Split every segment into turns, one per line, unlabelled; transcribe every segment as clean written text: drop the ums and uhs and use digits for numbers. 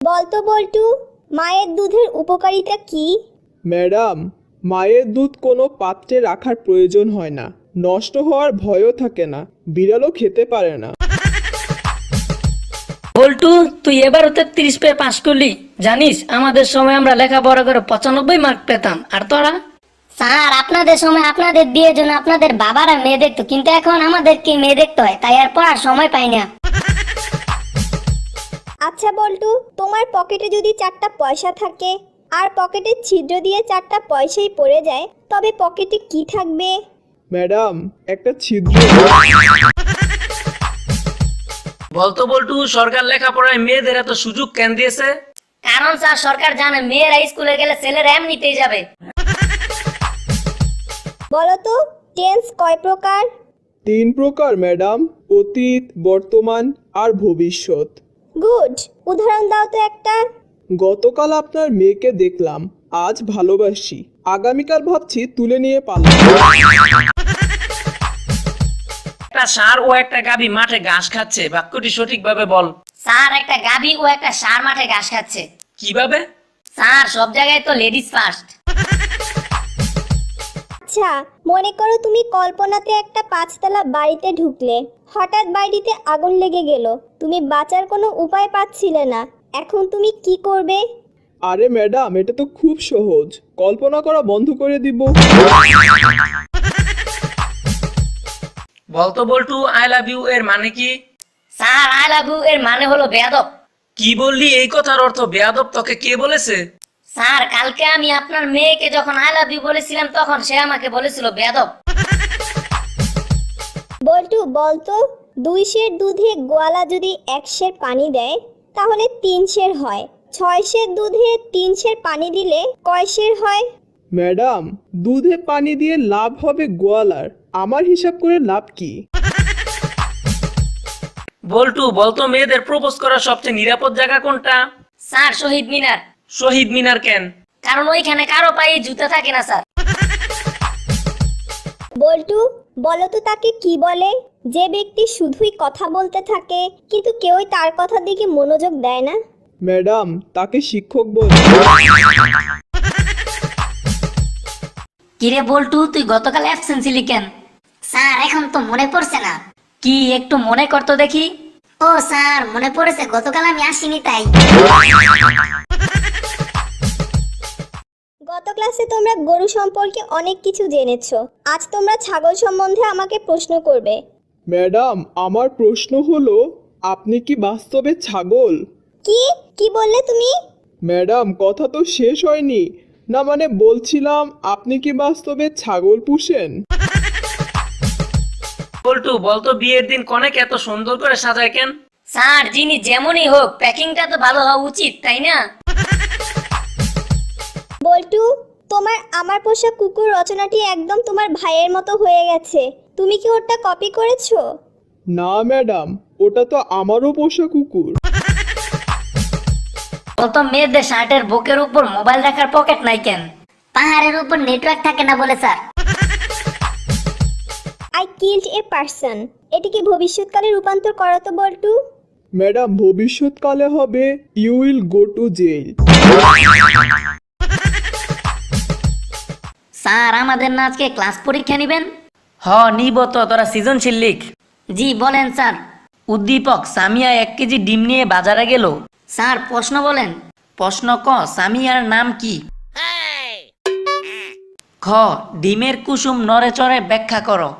বলতো বল্টু, মায়ের দুধের উপকারিতা কি?
ম্যাডাম, মায়ের দুধ কোনো পাত্রে রাখার প্রয়োজন হয় না, নষ্ট হওয়ার ভয়ও থাকে না, বিড়ালও খেতে পারে না।
বল্টু, তুই এবার ৩৩ পেয়ে পাস করলি। জানিস আমাদের সময় আমরা লেখাপড়া করে ৯৫ মার্ক পেতাম, আর তোরা?
স্যার, আপনাদের সময় আপনাদের বিয়ের জন্য আপনাদের বাবারা মেয়ে দেখতো, কিন্তু এখন আমাদেরকে মেয়ে দেখতে হয়, তাই আর পড়ার সময় পাই না।
আচ্ছা বল্টু, তোমার পকেটে যদি ৪টা পয়সা থাকে আর পকেটের ছিদ্র দিয়ে ৪টা পয়সাই পড়ে যায়, তবে পকেটে কি থাকবে?
ম্যাডাম, একটা ছিদ্র।
বলতো বল্টু, সরকার লেখাপড়ায় মেয়েদের এত সুযোগ কেন দিয়েছে?
কারণ স্যার, সরকার জানে মেয়েরা স্কুলে গেলে ছেলেরা এমনিতেই যাবে।
বলতো, টেন্স কয় প্রকার?
৩ প্রকার ম্যাডাম, অতীত, বর্তমান আর ভবিষ্যৎ।
গুড, উদাহরণ দাও তো একটা।
গতকাল আপনার মেয়েকে দেখলাম, আজ ভালোবাসি, আগামীকাল ভাবছি তুলে নিয়ে পালাবো।
একটা ষাঁড় ও একটা গাভী মাঠে ঘাস খাচ্ছে, বাক্যটি সঠিকভাবে বল।
স্যার, একটা গাভী ও একটা ষাঁড় মাঠে ঘাস খাচ্ছে।
কিভাবে?
স্যার, সব জায়গায় তো লেডিস ফার্স্ট।
আচ্ছা, মনে করো তুমি কল্পনাতে একটা ৫তলা বাড়িতে ঢুকলে, হঠাৎ বাড়িতে আগুন লেগে গেল, তুমি বাঁচার কোনো উপায় পাচ্ছিলে না, এখন তুমি কি করবে?
আরে ম্যাডাম, এটা তো খুব সহজ, কল্পনা করা বন্ধ করে দিব।
বলতো বল্টু, আই লাভ ইউ এর মানে কি?
স্যার, আই লাভ ইউ এর মানে হলো বেয়াদব।
কি বললি? এই কথার অর্থ বেয়াদব তোকে কে বলেছে?
স্যার, কালকে আমি আপনার মেয়েকে যখন আই লাভ ইউ বলেছিলাম, তখন সে আমাকে বলেছিল বেয়াদব।
বল্টু, বলতো ২ সের দুধে গোয়ালা যদি ১ সের পানি দেয়, তাহলে ৩ সের হয়। ৬ সের দুধে ৩ সের পানি দিলে কয় সের হয়?
ম্যাডাম, দুধে পানি দিয়ে লাভ হবে গোয়ালার, আমার হিসাব করে লাভ কি?
বল্টু, বলতো মেয়েদের প্রপোজ করার সবচেয়ে নিরাপদ জায়গা কোনটা?
স্যার, শহীদ মিনার।
শহীদ মিনার কেন?
কারণ ওইখানে কারো পায়ে জুতা থাকে না স্যার।
বল্টু, বলতো তাকে কি বলে যে ব্যক্তি শুধুই কথা বলতে থাকে কিন্তু কেউই তার কথার দিকে মনোযোগ দেয় না?
ম্যাডাম, তাকে শিক্ষক বলে।
কিরে বল্টু, তুই গতকাল অ্যাবসেন্ট ছিলি কেন? স্যার, এখন তো মনে পড়ছে না। কি, একটু মনে করতো দেখি। ও স্যার, মনে পড়েছে, গতকাল আমি আসিনি তাই।
গত ক্লাসে তোমরা গরু সম্পর্কে অনেক কিছু জেনেছো, আজ তোমরা ছাগল সম্বন্ধে আমাকে প্রশ্ন করবে।
ম্যাডাম, আমার প্রশ্ন হলো, আপনি কি বাস্তবে ছাগল?
কি কি বললে তুমি?
ম্যাডাম, কথা তো শেষ হয়নি। না মানে বলছিলাম, আপনি কি বাস্তবে ছাগল পুষেন?
বল্টু, বলতো বিয়ের দিন কনেকে এত সুন্দর করে সাজায় কেন?
স্যার, যিনি যেমনই হোক, প্যাকিংটা তো ভালো হওয়া উচিত, তাই না?
বল্টু, তোমার আমার পোষা কুকুর রচনাটি একদম তোমার ভাইয়ের মতো হয়ে গেছে, তুমি কি ওটা কপি করেছো?
না ম্যাডাম, ওটা তো আমারও পোষা কুকুর।
বলতো মেয়েদের শার্টের বুকের উপর মোবাইল রাখার পকেট নাই কেন? পাহাড়ের উপর নেটওয়ার্ক থাকে না বলে sir.
I killed a person, এটিকে ভবিষ্যৎকালে রূপান্তর করো তো বল্টু।
ম্যাডাম, ভবিষ্যৎকালে হবে you will go to jail.
Sir, আমাদের না আজকে ক্লাস পরীক্ষা নেবেন?
হ, নিব তো। তোরা সৃজনশীল লিখ।
জি বলেন স্যার।
উদ্দীপক, সামিয়া ১ কেজি ডিম নিয়ে বাজারে গেল।
স্যার, প্রশ্ন বলেন।
প্রশ্ন ক, সামিয়ার নাম কি? খ, ডিমের কুসুম নড়ে চড়ে ব্যাখ্যা করো।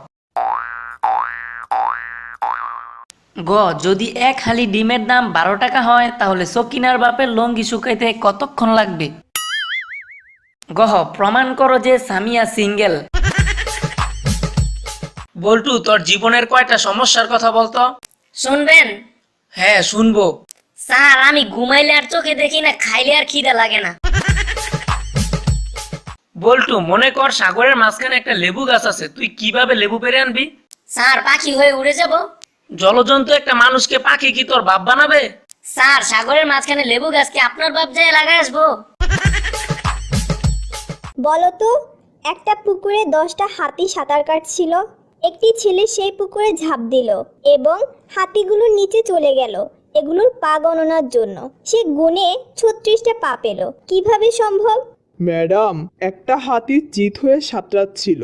গ, যদি ১ হালি ডিমের দাম ১২ টাকা হয়, তাহলে সকিনার বাপের লঙ্গি শুকাইতে কতক্ষণ লাগবে? গ, প্রমাণ করো যে সামিয়া সিঙ্গেল। বল্টু, তোর জীবনের কয়টা সমস্যার কথা বলতো?
শুনবেন?
হ্যাঁ, শুনবো।
স্যার, আমি ঘুমাইলে আর চোখে দেখি না, খাইলে আর খিদে লাগে না।
বল্টু, মনে কর সাগরের মাঝখানে একটা লেবু গাছ আছে, তুই কিভাবে লেবু পেরে আনবি?
স্যার, পাখি হয়ে উড়ে যাব।
জলজন্তু একটা মানুষকে পাখি কি তোর বাপ বানাবে?
স্যার, সাগরের মাঝখানে লেবু গাছ কি আপনার বাপ যায় লাগায় আসবো?
বলতো, একটা পুকুরে 10টা হাতি সাঁতার কাটছিল, একটি ছেলে সেই পুকুরে ঝাঁপ দিল এবং হাতিগুলো নিচে চলে গেল, এগুলোর পা গণনার জন্য। সে গুনে 36টা পা পেল। কিভাবে সম্ভব?
ম্যাডাম, একটা হাতি চিত হয়ে সাঁতরাচ্ছিল।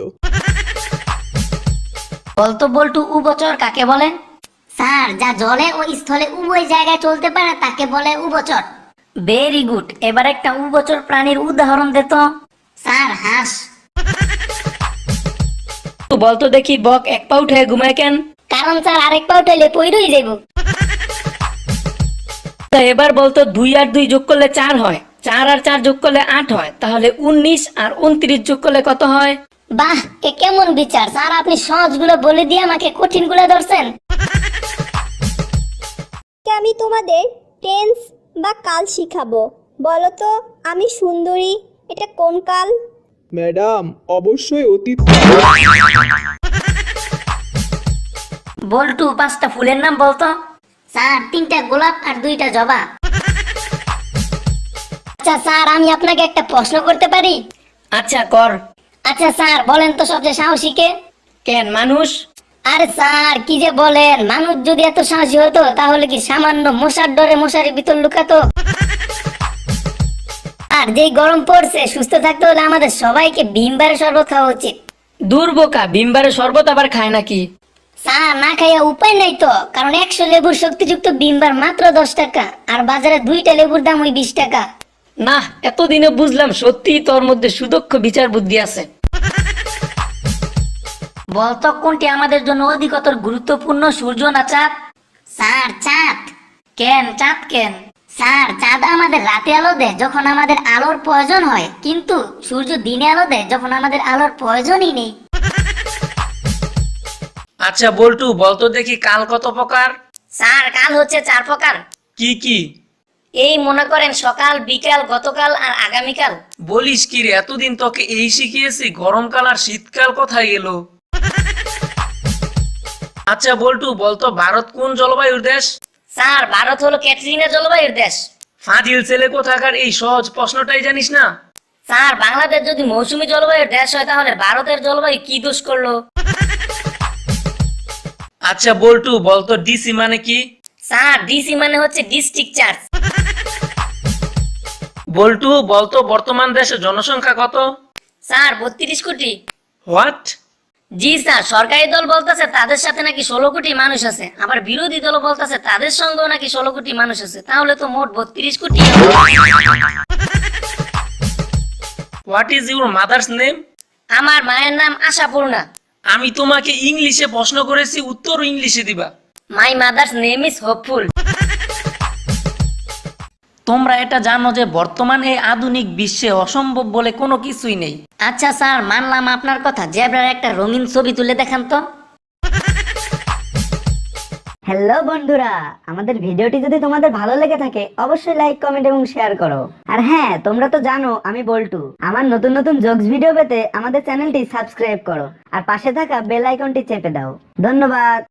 বলতো বল্টু উভচর কাকে বলে? স্যার, যা জলে ও স্থলে উভয় জায়গায় চলতে পারে তাকে বলে উভচর। Very good. এবার একটা উভচর প্রাণীর উদাহরণ দে তো। স্যার, হাঁস।
তো বলতো দেখি বক এক পা উঠে ঘুমায় কেন?
কারণ স্যার আরেক পা উঠাইলে পইরই যাইব।
তা এবার বলতো 2 আর 2 যোগ করলে 4 হয়, 4 আর 4 যোগ করলে 8 হয়, তাহলে 19 আর 29 যোগ করলে কত হয়?
বাহ, এ কেমন বিচার স্যার! আপনি সহজগুলো বলে দিয়ে আমাকে কঠিনগুলো ধরছেন।
আমি তোমাদের টেন্স বা কাল শিখাবো। বলো তো, আমি সুন্দরী এটা কোন কাল?
ম্যাডাম, অবশ্যই অতীত।
বল্টু 5টা ফুলের নাম বলতো। স্যার, 3টা গোলাপ আর 2টা জবা। আচ্ছা স্যার, আমি আপনাকে একটা প্রশ্ন করতে পারি?
আচ্ছা কর।
আচ্ছা স্যার, বলেন তো সবচেয়ে সাহসী কে?
কেন, মানুষ?
আরে স্যার, কি যে বলেন! মানুষ যদি এত সাহসী হতো তাহলে কি সামান্য মশার ডরে মশারির ভিতর লুকাতো? আর যেই গরম পড়ছে, সুস্থ থাকতে হলে আমাদের সবাইকে ভিমবারের শরবত খাওয়া উচিত।
দূর বোকা, ভিমবারের শরবত আবার খায় নাকি?
স্যার, না খাইয়া উপায় নাই তো, কারণ 100 লেবুর শক্তিযুক্ত ভিমবার মাত্র 10 টাকা, আর বাজারে 2টা লেবুর দাম ওই 20 টাকা।
না, এতদিনে বুঝলাম সত্যি তোর মধ্যে সুদক্ষ বিচার বুদ্ধি আছে।
বলতো কোনটি আমাদের জন্য অধিকতর গুরুত্বপূর্ণ, সূর্য না চাঁদ? স্যার, চাঁদ। কেন চাঁদ কেন? স্যার, চাঁদ আমাদের রাতে আলো দেয় যখন আমাদের আলোর প্রয়োজন হয়, কিন্তু সূর্য দিনে আলো দেয় যখন আমাদের আলোর প্রয়োজনই নেই।
আচ্ছা বল্টু, বলতো দেখি কাল কত প্রকার?
স্যার, কাল হচ্ছে 4 প্রকার।
কি কি?
এই মনে করেন সকাল, বিকাল, গতকাল আর আগামীকাল।
বলিস কি রে, এতদিন তোকে এই শিখিয়েছি, গরমকাল আর শীতকাল কোথায় গেল? আচ্ছা বল্টু, বলতো ভারত কোন জলবায়ুর দেশ?
স্যার, ভারত হলো ক্যাটরিনা জলবায়ুর দেশ।
ফাজিল ছেলে কোথাকার, এই সহজ প্রশ্নটাই জানিস না?
স্যার, বাংলাদেশ যদি মৌসুমী জলবায়ুর দেশ হয় তাহলে ভারতের জলবায়ু কি দোষ করলো?
আচ্ছা বল্টু, বলতো ডিসি মানে কি?
স্যার, ডিসি মানে হচ্ছে ডিস্ট্রিক্ট চার্জ।
বল্টু, বলতো বর্তমান দেশের জনসংখ্যা কত?
স্যার, 32 কোটি।
হোয়াট?
জি স্যার, সরকারি দল বলতেছে তাদের সাথে নাকি 16 কোটি মানুষ আছে, আবার বিরোধী দল বলতেছে তাদের সঙ্গেও নাকি 16 কোটি মানুষ আছে, তাহলে তো মোট 32 কোটি।
What is your mother's name?
আমার মায়ের নাম আশাপূর্ণা।
আমি তোমাকে ইংলিশে প্রশ্ন করেছি, উত্তর ইংলিশে দিবা।
My mother's name is hopeful.
তোমরা এটা জানো যে বর্তমান এই আধুনিক বিশ্বে অসম্ভব বলে কোনো কিছুই নেই।
আচ্ছা স্যার, মানলাম আপনার কথা, জেব্রার একটা রঙিন ছবি তুলে দেখান তো।
হ্যালো বন্ধুরা, আমাদের ভিডিওটি যদি তোমাদের ভালো লেগে থাকে অবশ্যই লাইক, কমেন্ট এবং শেয়ার করো। আর হ্যাঁ, তোমরা তো জানো আমি বল্টু। আমার নতুন নতুন জোকস ভিডিও পেতে আমাদের চ্যানেলটি সাবস্ক্রাইব করো আর পাশে থাকা বেল আইকনটি চেপে দাও। ধন্যবাদ।